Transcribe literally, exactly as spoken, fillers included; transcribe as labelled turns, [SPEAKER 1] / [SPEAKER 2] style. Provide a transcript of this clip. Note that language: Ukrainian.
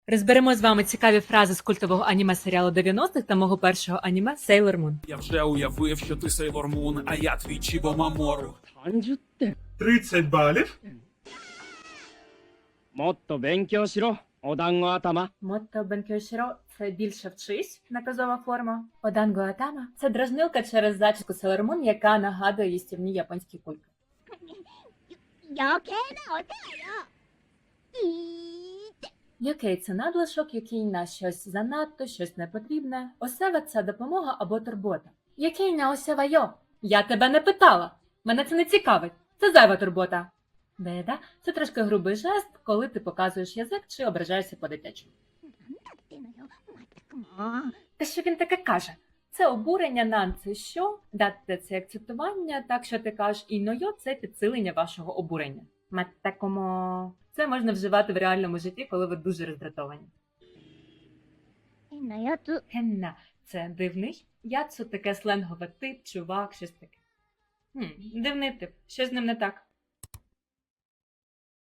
[SPEAKER 1] Розберемо з вами цікаві фрази з культового аніме-серіалу дев'яностих та мого першого аніме Sailor Moon.
[SPEAKER 2] Я вже уявив, що ти Сейлор Мун, а я твій Чібо Мамору.
[SPEAKER 3] さんじゅってん
[SPEAKER 4] тридцять балів.
[SPEAKER 3] もっと勉強しろお団子頭
[SPEAKER 1] Мотто бенкьошіро – це більше вчись, наказова форма. Оданго атама – це дражнилка через зачіску Sailor Moon, яка нагадує їстівні японські кульки.
[SPEAKER 5] 余計なお世話よいいって
[SPEAKER 1] Який це надлишок, який на щось занадто, щось непотрібне. Осева – це допомога або турбота. Який на осева йо? Я тебе не питала. Мене це не цікавить. Це зайва турбота. Беда – це трошки грубий жест, коли ти показуєш язик чи ображаєшся по-дитячому.
[SPEAKER 5] なんだってのよまったくもう
[SPEAKER 1] Та що він таке каже? Це обурення, нан – це що, датте – це акцентування, так що ти кажеш, і нойо – це підсилення вашого обурення. Маттакомо. Це можна вживати в реальному житті, коли ви дуже роздратовані.
[SPEAKER 5] 変なやつ
[SPEAKER 1] Хенна – це дивний, яцу – таке сленгове тип, чувак, щось таке. Хм, дивний тип, що з ним не так?